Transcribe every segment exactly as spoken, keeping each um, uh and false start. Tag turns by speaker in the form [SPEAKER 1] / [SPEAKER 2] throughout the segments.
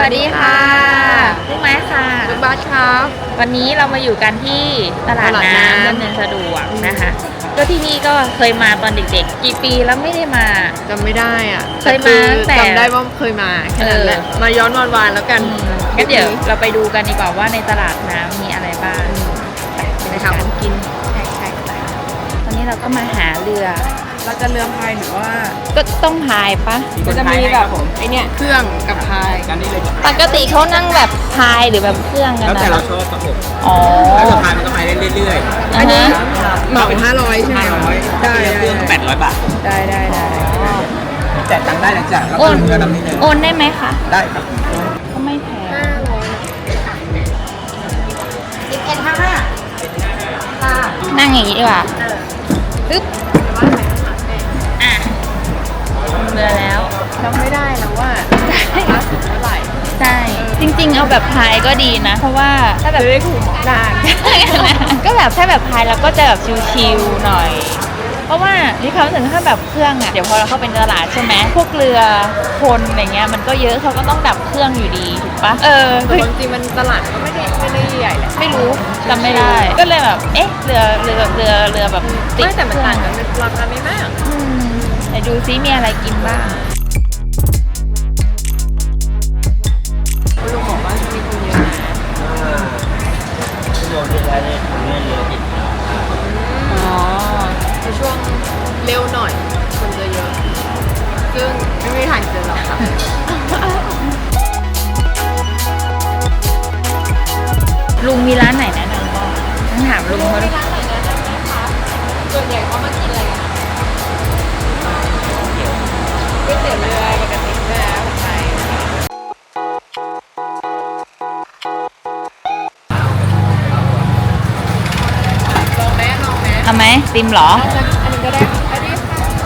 [SPEAKER 1] วัสดีค่ะลูกไม้ค่ะ
[SPEAKER 2] ลูกบาสครับ
[SPEAKER 1] วันนี้เรามาอยู่กันที่ตลาดน้ำดำเนินสะดวกนะคะก็ที่นี่ก็เคยมาตอนเด็กๆกี่ปีแล้วไม่ได้มา
[SPEAKER 2] จำไม่ได้อ่ะ
[SPEAKER 1] เคยมาแต่
[SPEAKER 2] จำได้ว่าเคยมาแค่นั้นแหละมาย้อนวันวานแล้วกัน
[SPEAKER 1] งั้นเดี๋ยวเราไปดูกันดีกว่าว่าในตลาดน้ำมีอะไรบ้าง
[SPEAKER 2] ไปหาของกิน
[SPEAKER 1] ใช่ใช่ตอนนี้เราก็มาหาเรือ
[SPEAKER 2] เราจะเรือพายหรือว่า
[SPEAKER 1] ก็ต้องพายปะ
[SPEAKER 2] มันจะมีแบบไอเนี้ยเครื่องกับพาย
[SPEAKER 3] กันนี่เลย
[SPEAKER 1] ปกติเขานั่งแบบพายหรือแบบเครื่องกันนะ
[SPEAKER 3] แล้วแต่เราชอบครับผม
[SPEAKER 1] อ๋อ
[SPEAKER 3] แล้วเราพายมันก็พายได้เรื่อย
[SPEAKER 1] ๆอันนี้
[SPEAKER 2] เหมาเป็นห้าร้อยใช่ไหม
[SPEAKER 3] ได้เครื่องแปดร้อยบาท
[SPEAKER 2] ได้ได้ได้
[SPEAKER 3] แจกตังค์ได้หลังจากแล้วก็เรือลำนี้เลย
[SPEAKER 1] โอนได้ไหมคะ
[SPEAKER 3] ได้ครับ
[SPEAKER 1] ก็ไม่แพง
[SPEAKER 2] ห้าร้อย
[SPEAKER 1] สิบเอ็ดห้าห้านั่งอย่างนี้ดีกว่าปึ๊บอ่ะเรือแล้ว
[SPEAKER 2] จำไม่ได้แล้วว่าราคาเท่าไหร่
[SPEAKER 1] ใช่จริงๆเอาแบบพายก็ดีนะเพราะว่าถ้าแบบ
[SPEAKER 2] ได้ถูกนาน
[SPEAKER 1] ก็แบบถ้าแบบพายเราก็จะแบบชิลๆหน่อยเพราะว่าที่เขาถึงถ้าแบบเครื่องอ่ะเดี๋ยวพอเราเข้าไปตลาดใช่ไหมพวกเรือคนอะไรเงี้ยมันก็เยอะเขาก็ต้องดับเครื่องอยู่ดีถูกปะเออ
[SPEAKER 2] จริงๆมันตลาดก็ไม่ได้ไม่ได้ใหญ่แหละ
[SPEAKER 1] ไม่รู้จำไม่ได้ก็เลยแบบเอ๊ะเรือเรือเรือเรือแบบ
[SPEAKER 2] ไม่แต่มันต่างกันเป็นราคาไม่มาก
[SPEAKER 1] ไหนดูซิมีอะไรกินบ้าง
[SPEAKER 2] คุณลุงบอกว่ามีคนเยอะนะ
[SPEAKER 3] ชั่วโมงที่แล้วเนี่ยผมเนี่ยเยอะอีก
[SPEAKER 1] อ๋อ
[SPEAKER 2] ในช่วงเร็วหน่อยคนจะเยอะซึ่งไม่มีทางเจอหรอกค่ะ
[SPEAKER 1] ลุงมีร้านไหนแนะนำบ้างต้องถามลุงเขาด้วย
[SPEAKER 2] ส่วนใหญ่เขามากินอะไรกันก๋วยเตี๋ยวเรือปกติแล้วไปลองไหมลองไหม
[SPEAKER 1] ทำไหมติมหรอ
[SPEAKER 2] อันนี้ก็ได้อันนี้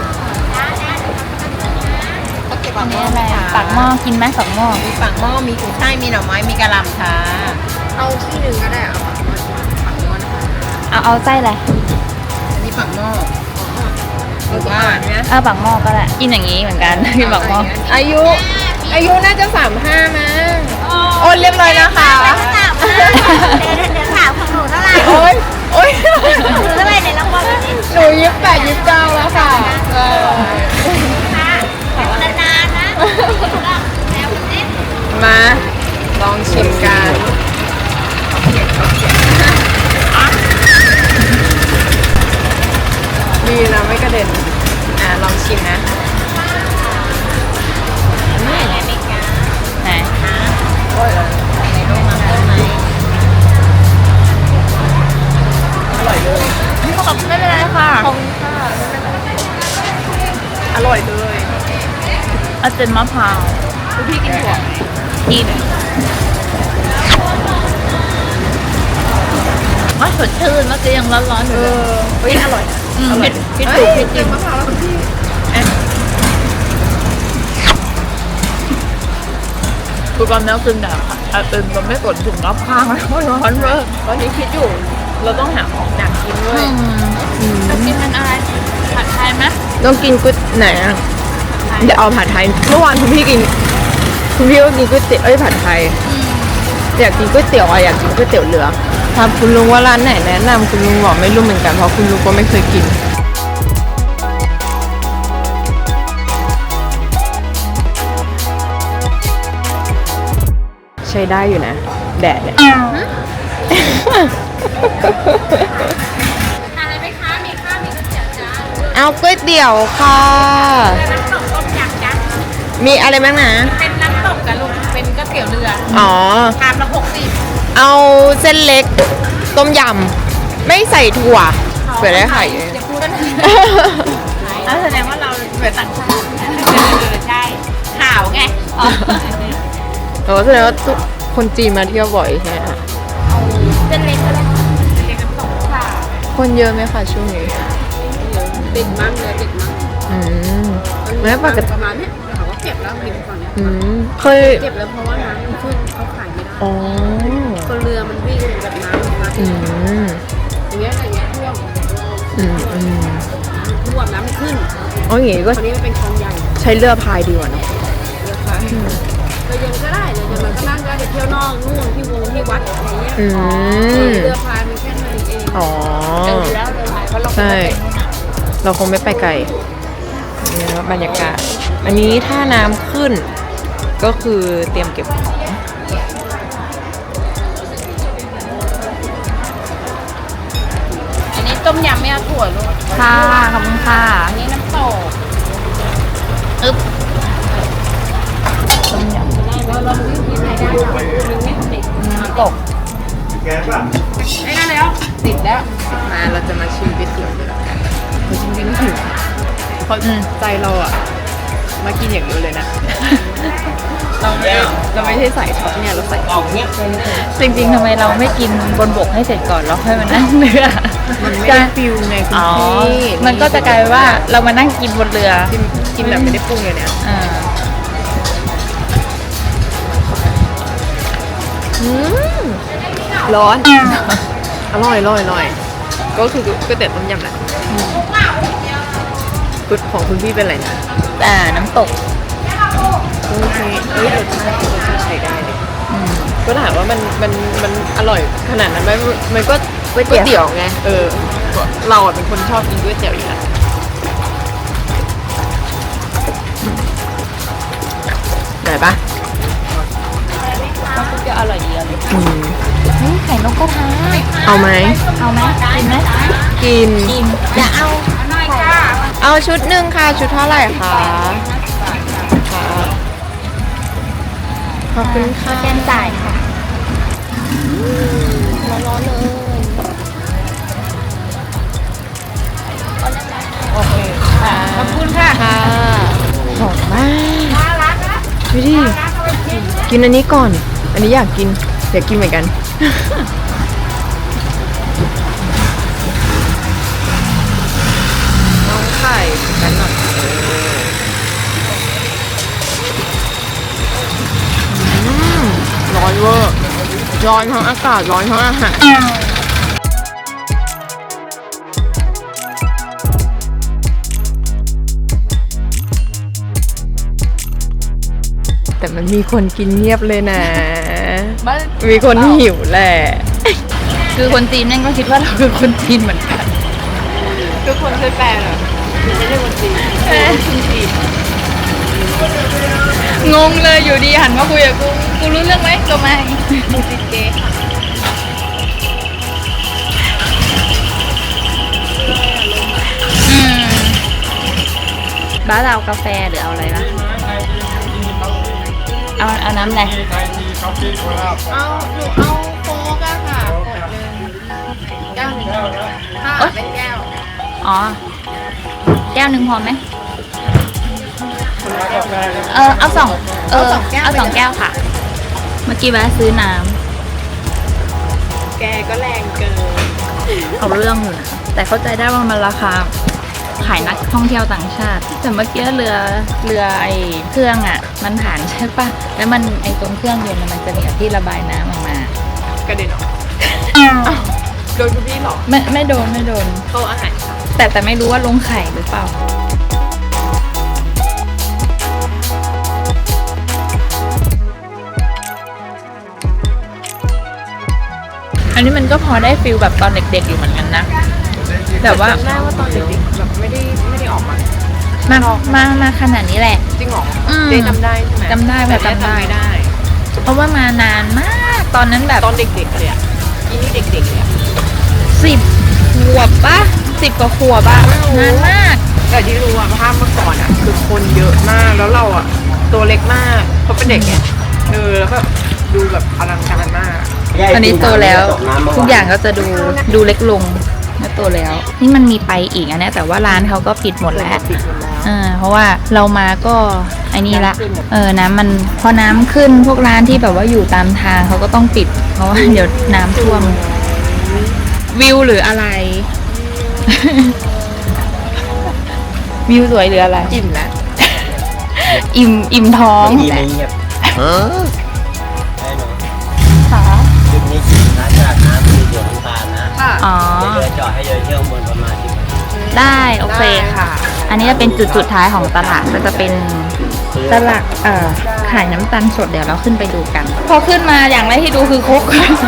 [SPEAKER 2] ก็เก็บปากหม้ออะไร
[SPEAKER 1] ปากหม้อกินไหมปากหม้อ
[SPEAKER 2] มีปากหม้อมีกุ้งช่ายมีหน่อไม้มีกะหล่ำค่ะเอาที่หนึ่งก็ได้เอาปากหม้อปากหม้อนะคะ
[SPEAKER 1] เอาเอาไส้อะไร
[SPEAKER 2] อันนี้ปากหม้อหรือว่า
[SPEAKER 1] เอาปากหม้อก็ได้กินอย่างนี้เหมือนกันกินปากหม้อ
[SPEAKER 2] อายุอายุน่าจะสามห้ามั้งโอนเรียบร้อยนะคะ
[SPEAKER 4] เดี๋ยวเดี๋ยวถามของหนูเท่าไหร่
[SPEAKER 2] โอ้ยโอ้ย
[SPEAKER 4] หนูเท่าไหร่ในรางวัลนี้
[SPEAKER 2] หนูยี่สิบแปดยี่สิบเก้าแล้วค่ะเออ
[SPEAKER 4] ค่ะนานๆนะ
[SPEAKER 2] มาลองชิมกันดีนะไม่กระเด็นอ่ะลองชิมนะ
[SPEAKER 1] ไหน
[SPEAKER 2] โอ้ยอร่อยเลย
[SPEAKER 1] ขอบไม่เป็นไรค่ะ
[SPEAKER 2] ขอบคุณค่ะอร่อยเลย
[SPEAKER 1] อาเจนมะพร้าว
[SPEAKER 2] คุณพี่กินถั่ว
[SPEAKER 1] กินว่าสดชื่นแล้วจะยังร้อนๆอยู่เลย
[SPEAKER 2] เฮ้ยอร่อย
[SPEAKER 1] อร่อยคิดถูกคิดจริง
[SPEAKER 2] มะพร้าวแล้วคุณพี่
[SPEAKER 1] คือความน่าซึ้งแต่อาเจนมันไม่สนถึงรอบข้างแล้วร้อนเว้ย
[SPEAKER 2] ตอนนี้คิดอยู่เราต้องหาของหนักกินด้วย
[SPEAKER 1] จะกินเป็นอะไรผัดไทยไหม
[SPEAKER 2] ต้องกินก๋วยไหนอ่ะเดี๋ยวเอาผัดไทยเมื่อวานคุณพี่กินคุณพี่ก็กินก๋วยเตี๋ยวเอ้ยผัดไทยอยากกินก๋วยเตี๋ยวอ่ะอยากกินก๋วยเตี๋ยวเรือถามคุณลุงว่าร้านไหนแนะนำคุณลุงบอกไม่รู้เหมือนกันเพราะคุณลุงก็ไม่เคยกินใช้ได้อยู่นะแดดเนี่ย
[SPEAKER 4] อะไรไหมคะมีข้าวมีก๋วยเตี๋ยวจ้า
[SPEAKER 2] เอาก๋วยเตี๋ยวค่ะ
[SPEAKER 4] น้ำตกต้มยำจ้า
[SPEAKER 2] มีอะไรบ้างนะ
[SPEAKER 4] เป็นน้ำตกกับลูกเป็นก๋วยเตี๋ยวเรือ
[SPEAKER 2] อ๋อ
[SPEAKER 4] ชามละหกสิบ
[SPEAKER 2] เอาเส้นเล็กต้มยำไม่ใส่ถั่วเผื่อได้ไข่
[SPEAKER 4] จะพูดกันแล้วแสดงว่าเราเหมือนต่างชาติใช่ข่าวไง
[SPEAKER 2] โอ้แสดงว่าคนจีนมาเที่ยวบ่อยใช่ไหมคะ
[SPEAKER 4] เส้นเล็กก็ได้เส้นเล็กน้ำตกค่ะ
[SPEAKER 2] คนเยอะไหมคะช่วงนี้
[SPEAKER 4] ติดมากเลยติดมาก
[SPEAKER 2] อืมแล้วปกติ
[SPEAKER 4] ประมาณนี้เขาก็เก็บแล้วริมฝั่งนี้
[SPEAKER 2] อืมเคย
[SPEAKER 4] เก็บแล้วเพราะว่าน้ำมันขึ้นเขาขายไม่ได้
[SPEAKER 2] อ๋อ
[SPEAKER 4] คนเรือมันวิ่งแบบน้ำมา
[SPEAKER 2] อืม
[SPEAKER 4] อย่างเงี้ยอย่างเงี้ยท่วม
[SPEAKER 2] อืมอืม
[SPEAKER 4] ท่วมน้ำมันขึ้น
[SPEAKER 2] อ๋ออย่างงี้ก็
[SPEAKER 4] ตอนนี้มันเป็นคลองใหญ่
[SPEAKER 2] ใช้เรือพายดีกว่าเนาะ
[SPEAKER 4] เรือพาย
[SPEAKER 5] เราเย็นก็ได้เดี๋ยวมันก็นั่งก็ไปเที่ยวนอกนู่นที่วงที่วัดอะไรเงี้ย
[SPEAKER 2] อืม
[SPEAKER 5] เรือพายมันแค่นั้นเอง
[SPEAKER 2] อ๋อ
[SPEAKER 1] เจอแล้วเรือพายเพราะเรา
[SPEAKER 2] ใช่ เราคงไม่ไปไกลนี่นะบรรยากาศ อันนี้ถ้าน้ำขึ้น ก็คือเตรียมเก็บของ
[SPEAKER 4] อันนี้ต้มยำไม่เอาถั่วลูก
[SPEAKER 1] ค่ะขอบคุณค่ะ
[SPEAKER 4] อันนี้น้ำตก
[SPEAKER 1] อึ๊บต้มยำ
[SPEAKER 5] เราลองดูที่ไหนได้ค่ะมันไม่ติด
[SPEAKER 1] น้ำตก
[SPEAKER 5] ไม่ได้แล้วติดแล้ว
[SPEAKER 2] มาเราจะมาชิมก๋วยเตี๋ยวเรือกันเราจริงๆหิวเพราะ
[SPEAKER 1] อืม
[SPEAKER 2] ใจเราอะมากินอย่างเดียวเลยนะ เราไม่เราไม่ใช่ใส่ท็อปเนี่ยเราใส่
[SPEAKER 3] ออกเนี้ย
[SPEAKER 1] จริงๆทำไมเราไม่กินบนบกให้เสร็จก่อนแล้วค่อยมานั่งเรือ
[SPEAKER 2] มันไม่ได้ฟิลไงคุณ
[SPEAKER 1] อ๋อ
[SPEAKER 2] พี่
[SPEAKER 1] มันก็จะกลายเป็นว่าเรามานั่งกินบนเรือ
[SPEAKER 2] กินกินแบบไม่ได้ปรุงเลยเนี่ย
[SPEAKER 1] อ่า
[SPEAKER 2] อืมร้อน อร่อยอร่อยอร่อย ก็คือก๋วยเตี๋ยวต้มยำแหละกุดของคุณพี่เป็นอะไรนะ
[SPEAKER 1] อ่าน้ำตก
[SPEAKER 2] โอเคเอ้ยรสชาติรสชาติใช้ได้เลยก็ถามว่ามันมันมันอร่อยขนาดนั้นไหมมันก็ก๋วยเตี๋ยวไง เออ เราอ่ะเป็นคนชอบกินก๋วยเตี๋ยวอยู่แล้วได้ปะ
[SPEAKER 1] ก็จะอร่อยดีอ่ะ
[SPEAKER 2] อืม
[SPEAKER 1] นี่ไข่นกกระทา
[SPEAKER 2] เอาไหม
[SPEAKER 1] เอาไหมกินไหม
[SPEAKER 2] กิน
[SPEAKER 1] กินอย่าเอา
[SPEAKER 2] เอาชุดหนึ่งค่ะ ชุดเท่าไหร่คะค่ะขอบคุณค่ะ
[SPEAKER 1] แกนจ่ายค่ะ
[SPEAKER 2] ร้อนๆเลย โอเคค่ะ
[SPEAKER 1] ขอบคุณค่ะ
[SPEAKER 2] ค่ะหอมมากดูดิกินอันนี้ก่อน อันนี้อยากกินอยากกินเหมือนกัน น้องไข่กันหน่อยอืมร้อนเวอร์ร้อนทั้งอากาศร้อนทั้งอาหารแต่มันมีคนกินเงียบเลยนะ มีคนหิวแหละ
[SPEAKER 1] คือคนจีนนั่นก็คิดว่าเราคือคนจีนเหมือนกัน
[SPEAKER 2] ทุกคนเคยแปลเหรอไม่ใช่คนจีนคนจีน
[SPEAKER 1] งงเลยอยู่ดีหันมาคุยกับกู กูรู้เรื่องไหมก็ไม่มูจิเกอืมบ้านเรากาแฟหรือเอาอะไรวะเอาเอาน้ำอะไร
[SPEAKER 5] เอาหนูเอาโค้กอะค่ะขวดหนึ่งแก้วหนึ่งค่ะเป็นแก้ว
[SPEAKER 1] อ๋อ แก้วหนึ่งพอไหมเออเอาสองเออเอาสองแก้วค่ะ เมื่อกี้แวะซื้อน้
[SPEAKER 2] แกก็แรงเกิน
[SPEAKER 1] ำเอาเรื่องอยู่นะแต่เข้าใจได้ว่ามันราคาขายนักท่องเที่ยวต่างชาติ แต่เมื่อกี้เรือเรือไอ้เครื่องอ่ะ มันผ่านใช่ปะแล้วมันไอ้ตรงเครื่องยนต์น่ะมันจะมีที่ระบายน้ำออกมาก
[SPEAKER 2] ระเด็นออกโดนคุณพี่หรอ
[SPEAKER 1] ไม่ไม่โดนไม่โดน
[SPEAKER 2] โต๊ะอาหารค่ะ
[SPEAKER 1] แต่แต่ไม่รู้ว่าลงไข่หรือเปล่า อันนี้มันก็พอได้ฟิลแบบตอนเด็กๆอยู่เหมือนกันนะแต่ว่า
[SPEAKER 2] จำได้ว่าตอนเด็กๆแบบไม่ได้ไม่ได้ออกมา
[SPEAKER 1] มามามาขนาดนี้แหละ
[SPEAKER 2] จริงเหรอ
[SPEAKER 1] อืม
[SPEAKER 2] เจ๊จำได้ใช่ไหม
[SPEAKER 1] จำได้แบบ
[SPEAKER 2] แต่
[SPEAKER 1] จำได้
[SPEAKER 2] ไม่ได้
[SPEAKER 1] เพราะว่ามานานมากตอนนั้นแบบ
[SPEAKER 2] ตอนเด็กๆเลยอ่ะอีนี่เด็กๆเลยอ่ะ
[SPEAKER 1] สิบขวบปะสิบกว่าขวบอะนานมาก
[SPEAKER 2] แต่ที่รู้ว่าภาพเมื่อก่อนอ่ะคือคนเยอะมากแล้วเราอ่ะตัวเล็กมากเพราะเป็นเด็กไงเออแล้วแบบดูแบบอลังการมาก
[SPEAKER 1] ตอนนี้โตแล้ว ทุกอย่างก็จะดูดูเล็กลงเมื่อโตแล้ว นี่มันมีไปอีกอันเนี้ยแต่ว่าร้านเขาก็ปิดหมดแล้ว
[SPEAKER 2] ปิดหมดแล้ว
[SPEAKER 1] อ่าเพราะว่าเรามาก็ไอ้นี่ละเออน้ำมันพอน้ำขึ้นพวกร้านที่แบบว่าอยู่ตามทางเขาก็ต้องปิด เพราะว่าเดี๋ยวน้ำท่วมวิวหรืออะไร วิวสวยหรืออะไร
[SPEAKER 2] อิ่มแล้ว
[SPEAKER 1] อิ่มอิ่มท้อง
[SPEAKER 3] ดีไม่เงียบได้เนาะ
[SPEAKER 1] ค่ะ
[SPEAKER 3] จุดนี้กินนะจากน้ำคือเดือดน้ำตาลนะ
[SPEAKER 2] ค่ะ
[SPEAKER 1] อ๋อ
[SPEAKER 3] เรือจอดให้เดินเที่ยวเมืองประมาณสิบนาที
[SPEAKER 1] ได้โอเคค่ะ อันนี้จะเป็นจุดสุดท้ายของตลาดก็จะเป็น
[SPEAKER 3] ซื้อ
[SPEAKER 1] ตลาดเอ่อขายน้ำตาลสดเดี๋ยวเราขึ้นไปดูกัน พอขึ้นมาอย่างแรกที่ดูคือครก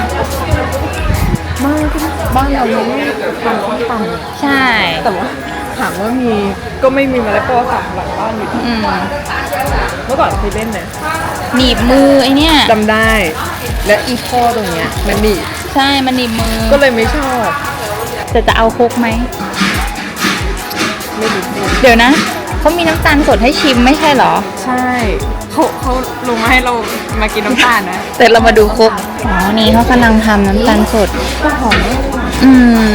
[SPEAKER 2] ไม่บ้านเราไม่ทำส้มตำ
[SPEAKER 1] ใช่
[SPEAKER 2] แต่ว่าถามว่ามีก็ไม่มีมะละกอสับหลังบ้านอยู่ที่
[SPEAKER 1] อืม
[SPEAKER 2] เมื่อก่อนเคยเล่นนะ
[SPEAKER 1] หนีบมือไอเนี่ย
[SPEAKER 2] จำได้ และอีพ่อตรงเนี้ยมันหนีบ
[SPEAKER 1] ใช่มันหนีบมือ
[SPEAKER 2] ก็เลยไม่ชอบ
[SPEAKER 1] แต่จะเอาครกไหม
[SPEAKER 2] ไม่รู้
[SPEAKER 1] เดี๋ยวนะเขามีน้ำตาลสดให้ชิมไม่ใช่เหรอ
[SPEAKER 2] ใช่เขาเขาลงมาให้เรามากินน้ำตาลนะ
[SPEAKER 1] แต่เรามาดูครกอ๋อ นี่เขากำลังทำน้ำตาลสด
[SPEAKER 2] ก็หอม
[SPEAKER 1] อืม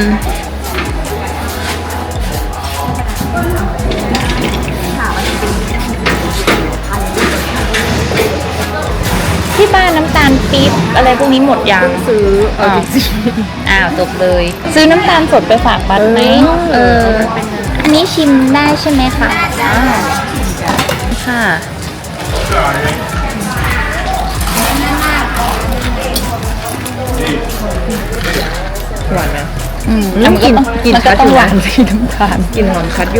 [SPEAKER 1] ที่บ้านน้ำตาลปี๊บอะไรพวกนี้หมดยัง
[SPEAKER 2] ซื้อเอาจริง
[SPEAKER 1] อ้าวจบเลย ซื้อน้ำตาลสดไปฝากบัตไหม
[SPEAKER 2] เออ
[SPEAKER 1] อันนี้ชิมได้ใช่ไหมคะอ่าค่ะ
[SPEAKER 2] ๆหวานนะ
[SPEAKER 1] อืม
[SPEAKER 2] อืมกลิ่นกลิ่น
[SPEAKER 1] มันก็
[SPEAKER 2] ชัด
[SPEAKER 1] ต้
[SPEAKER 2] อ
[SPEAKER 1] อง
[SPEAKER 2] ยู่
[SPEAKER 1] ห
[SPEAKER 2] นะ
[SPEAKER 1] วานสิน้ำตาล
[SPEAKER 2] กลิ่นหอมชัดอยู่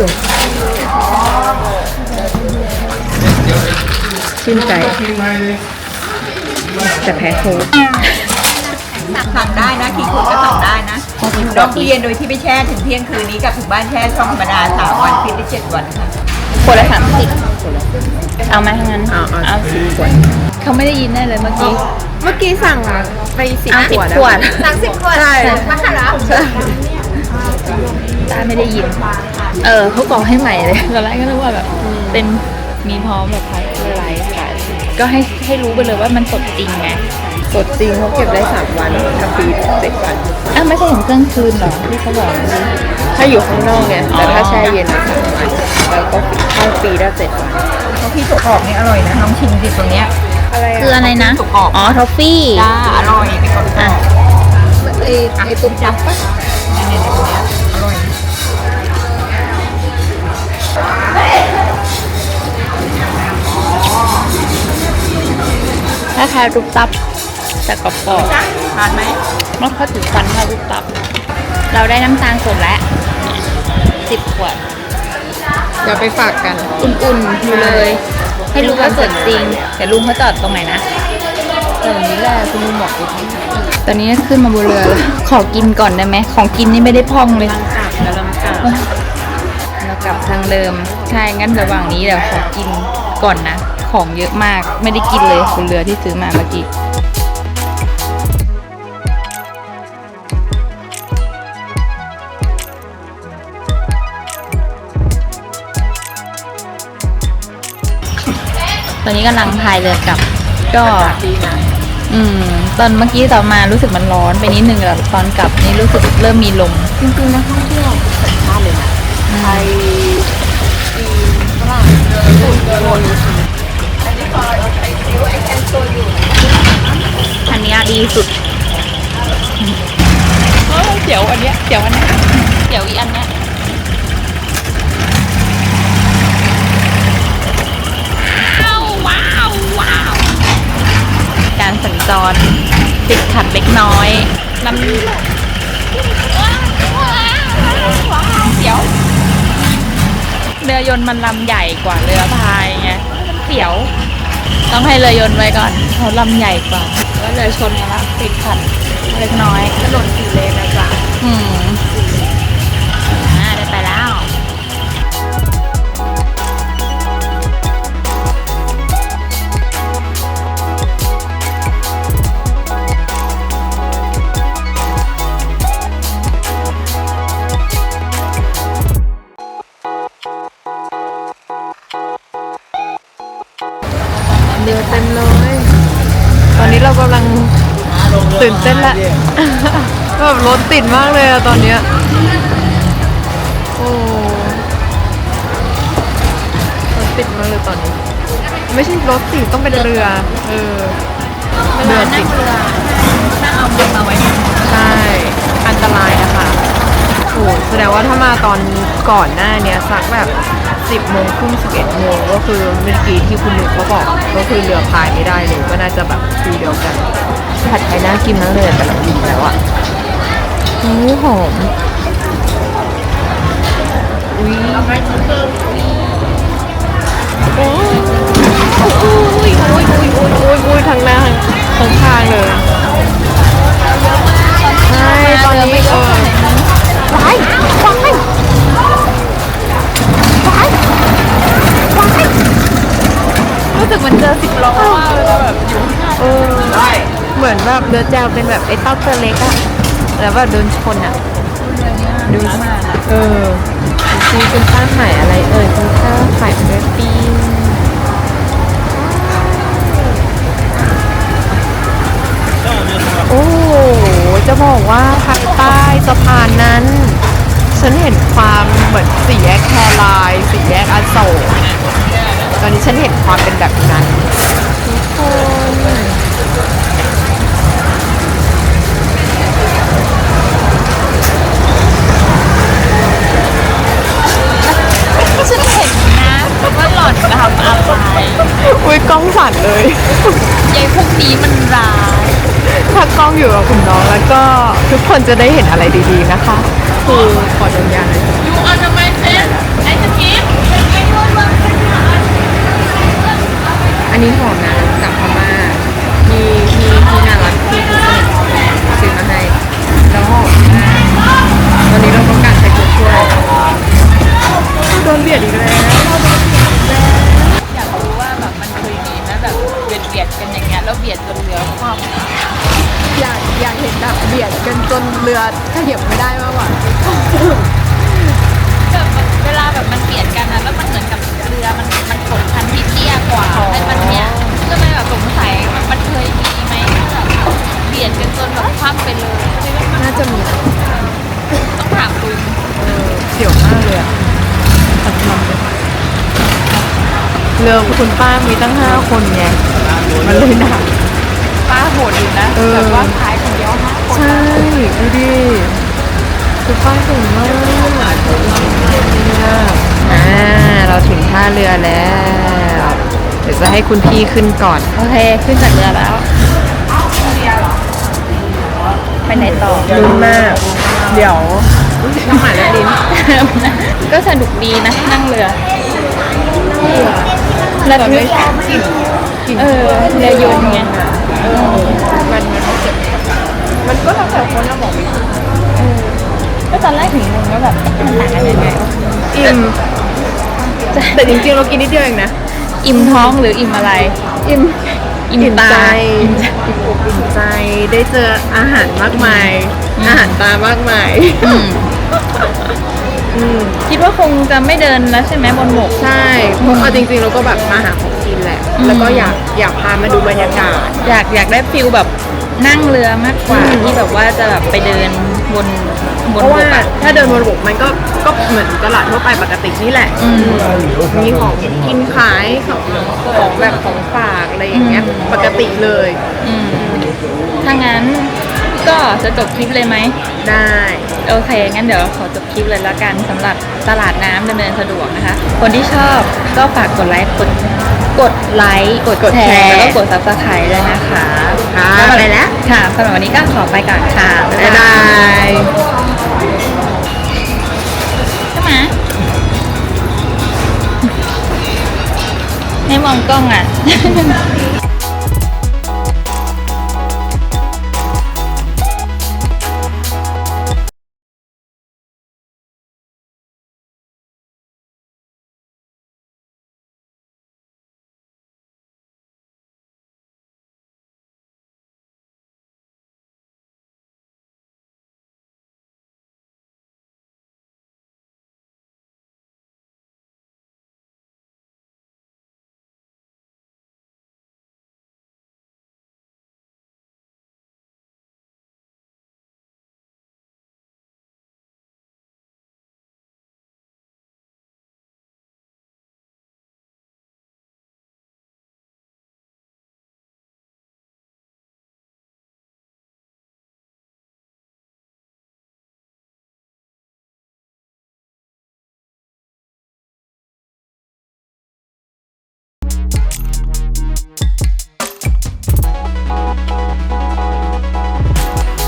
[SPEAKER 2] ชื่นใจแต่แพ้โค้ก
[SPEAKER 4] สั่งได้นะกี่คนก็สั่งได้นะร้องเรียนโดยที่ไม่แช่ถึงเที่ยงคืนนี้กับถึงบ้านแช่ช่องธรรมดาสามวันฟิตได้เจ็ดวันค่ะ
[SPEAKER 1] ขวดละสามสิบเอาไหมทั้งนั้น
[SPEAKER 2] เอาเอา
[SPEAKER 1] เอา
[SPEAKER 2] สิบขวด
[SPEAKER 1] เขาไม่ได้ยินแน่เลยเมื่อกี้
[SPEAKER 2] เมื่อกี้สั่งไปสิบ
[SPEAKER 1] อ่ะ
[SPEAKER 2] ขวด
[SPEAKER 1] สิบขวด
[SPEAKER 2] สั่งสิบขวดใช่
[SPEAKER 4] มาค่ะเหรอ
[SPEAKER 1] ตาไม่ได้ยิน เออเขาบอกให้ใหม่เลยตอนแรกก็นึกว่าแบบเป็นมีพร้อมแบบพักไลฟ์ขายก็ให้ให้รู้ไปเลยว่ามันสดจริงไง
[SPEAKER 2] สดจริงเขาเก็บได้สามวันถ้าปีเจ็ดวัน
[SPEAKER 1] อ้าวไม่ใช่ถึงเครื่องคืนเหรอที่เขาบอก
[SPEAKER 2] ถ้าอยู่ข้างนอกเนี่ย
[SPEAKER 1] อ๋อ
[SPEAKER 2] แต่ถ้าแช่เย็นนะสามวันแล้วก็เข้าปีได้เจ็ดวัน
[SPEAKER 4] เพราะพี่ถั่วกรอบนี่อร่อยนะน้องชิมสิตัวเนี้ย
[SPEAKER 2] อะไร
[SPEAKER 1] คืออะไรนะ
[SPEAKER 4] ถั่วกรอบ
[SPEAKER 1] อ๋อทอฟฟี่
[SPEAKER 4] จ้าอร่อยเป็นกรอบกร
[SPEAKER 1] อ่ะ
[SPEAKER 4] อบ
[SPEAKER 2] ไอ้ไอ้ตุ้มจับปะ
[SPEAKER 4] เนี่ยๆตัวเนี้ยอร่อย
[SPEAKER 1] ถ้าทายรูปตับแต่กรอบ
[SPEAKER 4] ทานไหม
[SPEAKER 1] ๆมันเข้าถึงฟันทายรูปตับ เราได้น้ำตาลสดแล้วสิบขวด
[SPEAKER 2] เดี๋ยวไปฝากกัน
[SPEAKER 1] อุ่นๆอยู่เลย ให้รู้ว่าสดจริงแต่ลุงเขาจอดตรงไหนนะ
[SPEAKER 2] ตรงนี้แหละคุณลุงบอกกู
[SPEAKER 1] ตอนนี้ขึ้นมาบนเรือแล้วขอกินก่อนได้ไหมของกินนี่ไม่ได้พองเลย
[SPEAKER 2] แล้วเรากลับ
[SPEAKER 1] เรากลับทางเดิมใช่งั้นระหว่างนี้เดี๋ยวขอกินก่อนนะ ของเยอะมากไม่ได้กินเลยบนเรือที่ซื้อมาเมื่อกี้ตอนนี้กำลังพายเรือกลับ ก็
[SPEAKER 2] ดีนะ
[SPEAKER 1] อืม ตอนเมื่อกี้ต่อนมารู้สึกมันร้อนไปนิดนึงแต่ตอนกลับนี่รู้สึกเริ่มมีลม
[SPEAKER 2] จริงๆนักท่องเที่ยวสัญชาติเลยนะไทยจีนฝรั่งญี่ปุ่นคน
[SPEAKER 1] อันเนี้ยดีสุดเสียวอันเนี้ยเสียวอันเนี้ยเสียวอีอันเนี้ยว้าวว้าวว้าวการสัญจรติดขัดเล็กน้อยลำเสียวเรือยนต์มันลำใหญ่กว่าเรือพายไงเสียว ต้องให้เรือยนต์ไว้ก่อนเขาลำใหญ่กว่าแล้วเรือชนกันละติดขัดเล็กน้อยถนนสี่เลนนะจ๊ะอืมอ่าได้ไปแล้ว
[SPEAKER 2] เรือเต็มเลย ตอนนี้เรากำลังตื่นเต้นละ แบบรถติดมากเลยอะตอนเนี้ยโอ้รถติดมากเลยตอนนี้ ไม่ใช่รถติดต้องเป็นเรือ เออเรือติด
[SPEAKER 1] น่าเอามือมาไว้
[SPEAKER 2] ใช่ อันตรายนะคะโอ้แสดงว่าถ้ามาตอนก่อนหน้าเนี้ยสักแบบสิบโมงครึ่งสิบเอ็ดโมงก็คือเมื่อกี้ที่คุณลุงเขาบอก ก็คือเรือพายไม่ได้เลยก็น่าจะแบบฟีลเดียวกัน ผัดไทยน่ากินมากเลยแต่เรากินแล้วอะอู้หอมอุ้ยโอ้ข้างหน้าข้างๆเลยใช่ตอนนี้เออว้ายว้ายว้ายว้าย
[SPEAKER 1] รู้สึกเหมันเจอสิบล้อมากเลยแบบอยู่
[SPEAKER 2] เออเหมือนแบบเรือแจวเป็นแบบไอ้เต้าตัวเล็กอะแล้วแบบโดนชนอะ
[SPEAKER 1] ดูมากอะ
[SPEAKER 2] เออซีคุณป้าขายอะไรเอ่ยคุณป้าขายเบอร์ปิ้งโอ้โหจะบอกว่าภายใต้สะพานนั้น ฉันเห็นความเหมือนสี่แยกแครายสี่แยกอโศกตอนนี้ฉันเห็นความเป็นแบบนั้นทุกคน
[SPEAKER 1] ฉันเห็นนะว่าหล่อนทำอะไร
[SPEAKER 2] อุ้ยกล้องสั่นเลย
[SPEAKER 1] ยายพวกนี้มันร้าย
[SPEAKER 2] ถ้ากล้องอยู่กับคุณน้องแล้วก็ทุกคนจะได้เห็นอะไรดีๆนะคะ คือขอดมยาหน่อย
[SPEAKER 1] ยูออนทำไมเซ็นไอ้สกิป
[SPEAKER 2] อันนี้หอมนะจากพม่ามีมีที่น่ารักที่คุณสนิทซื้อมาให้แล้วหอมมากตอนนี้เราต้องการใช้ตัวช่วยโดนเบียดอีกแล้ว
[SPEAKER 1] อยากรู้ว่าแบบมันเคยมีไหมแบบเบียดเบียดกันอย่างเงี้ยแล้วเบียดจนเรือคว่ำ
[SPEAKER 2] อยากอยากเห็นแบบเบียดกันจนเรือขยับไม่ได้มากกว่า
[SPEAKER 1] แบบเวลาแบบมันเบียดกันนะแล้วมันเหมือนกับเรือมันมันกดคันที่เตี้ยกว่าให้มันเนี้ยก็เลยแบบสงสัยมันมันเคยมีไหมแบบเบียดกันจนแบบคว่ำไปเลย
[SPEAKER 2] น่าจะมี
[SPEAKER 1] ต้องถามลุง
[SPEAKER 2] เสี่ยวมากเลยอะสักลำเลยเรือคุณป้ามีตั้งห้าคนไงมันเลยหนัก
[SPEAKER 1] ป้าโหดอยู่นะ
[SPEAKER 2] เออ
[SPEAKER 1] แบบว่าขายคนเดียวห้าคน
[SPEAKER 2] ใช่ดูดิคุณป้าเก่งมากอ่าเราถึงท่าเรือแล้ว เดี๋ยวจะให้คุณพี่ขึ้นก่อน
[SPEAKER 1] โอเคขึ้นจากเรือแล้วไปไหนต่อ
[SPEAKER 2] ลุ้นมาก เดี๋ยวน้ำหมาและลิ้น
[SPEAKER 1] ก็สนุกดีนะนั่งเรือระ
[SPEAKER 2] แต่
[SPEAKER 1] ทึ
[SPEAKER 2] ไม่
[SPEAKER 1] ก
[SPEAKER 2] กลิ่นกลิ่น
[SPEAKER 1] เออเรือยนต์ไง
[SPEAKER 2] เออมันมันเจ็บมันก็แล้วแต่คนเราบอกไม่ถูก
[SPEAKER 1] ก็ตอนแรกถึงงงว่าแบบมันต่างกันยังไงวะ
[SPEAKER 2] อิ่มแต่จริงๆเรากินนิดเดียวเองนะ
[SPEAKER 1] อิ่มท้องหรืออิ่มอะไร
[SPEAKER 2] อิ่ม
[SPEAKER 1] อิ่มตา
[SPEAKER 2] ใจอิ่มใจได้เจออาหารมากมาย อาหารตามากมาย
[SPEAKER 1] อืม
[SPEAKER 2] อืม
[SPEAKER 1] คิดว่าคงจะไม่เดินแล้วใช่ไหมบนบก
[SPEAKER 2] ใช่เพราะเอาจริงๆเราก็แบบมาหาของกินแหละ
[SPEAKER 1] อืม
[SPEAKER 2] แล้วก็อยากอยากพามาดูบรรยากาศ
[SPEAKER 1] อยากอยากได้ฟิลแบบนั่งเรือมากกว่า
[SPEAKER 2] อืม
[SPEAKER 1] ที่แบบว่าจะแบบไปเดินบนบ
[SPEAKER 2] เพ
[SPEAKER 1] น
[SPEAKER 2] ราะ
[SPEAKER 1] บ
[SPEAKER 2] ว่าก
[SPEAKER 1] อะ
[SPEAKER 2] ถ้าเดินบนบกมันก็ก็เหมือนตลาดทั่วไปปกตินี่แหละ
[SPEAKER 1] อืม
[SPEAKER 2] มีของกินขายของของแบบของฝากอะไรอย่างเงี้ย
[SPEAKER 1] อืม
[SPEAKER 2] ปกติเลย
[SPEAKER 1] อืมถ้างั้นก็จะจบคลิปเลยไหม
[SPEAKER 2] ได้
[SPEAKER 1] โอเค งั้นเดี๋ยวขอจบคลิปเลยแล้วกันสำหรับตลาดน้ำดำเนินสะดวกนะคะ คนที่ชอบก็ฝากกดไลค์กดกดไลค์กด
[SPEAKER 2] กด
[SPEAKER 1] แช
[SPEAKER 2] แชร์
[SPEAKER 1] ร์แล้วก็กด ซับสไครบ์ด้วยนะคะ
[SPEAKER 2] ค่ะ
[SPEAKER 1] สำหรับ
[SPEAKER 2] ไปแล้ว
[SPEAKER 1] ค่ะสำหรับวันนี้ก็ขอไปก่อนค่ะ
[SPEAKER 2] บ๊ายบาย
[SPEAKER 1] ใช่ไหมให้มองกล้องอ่ะ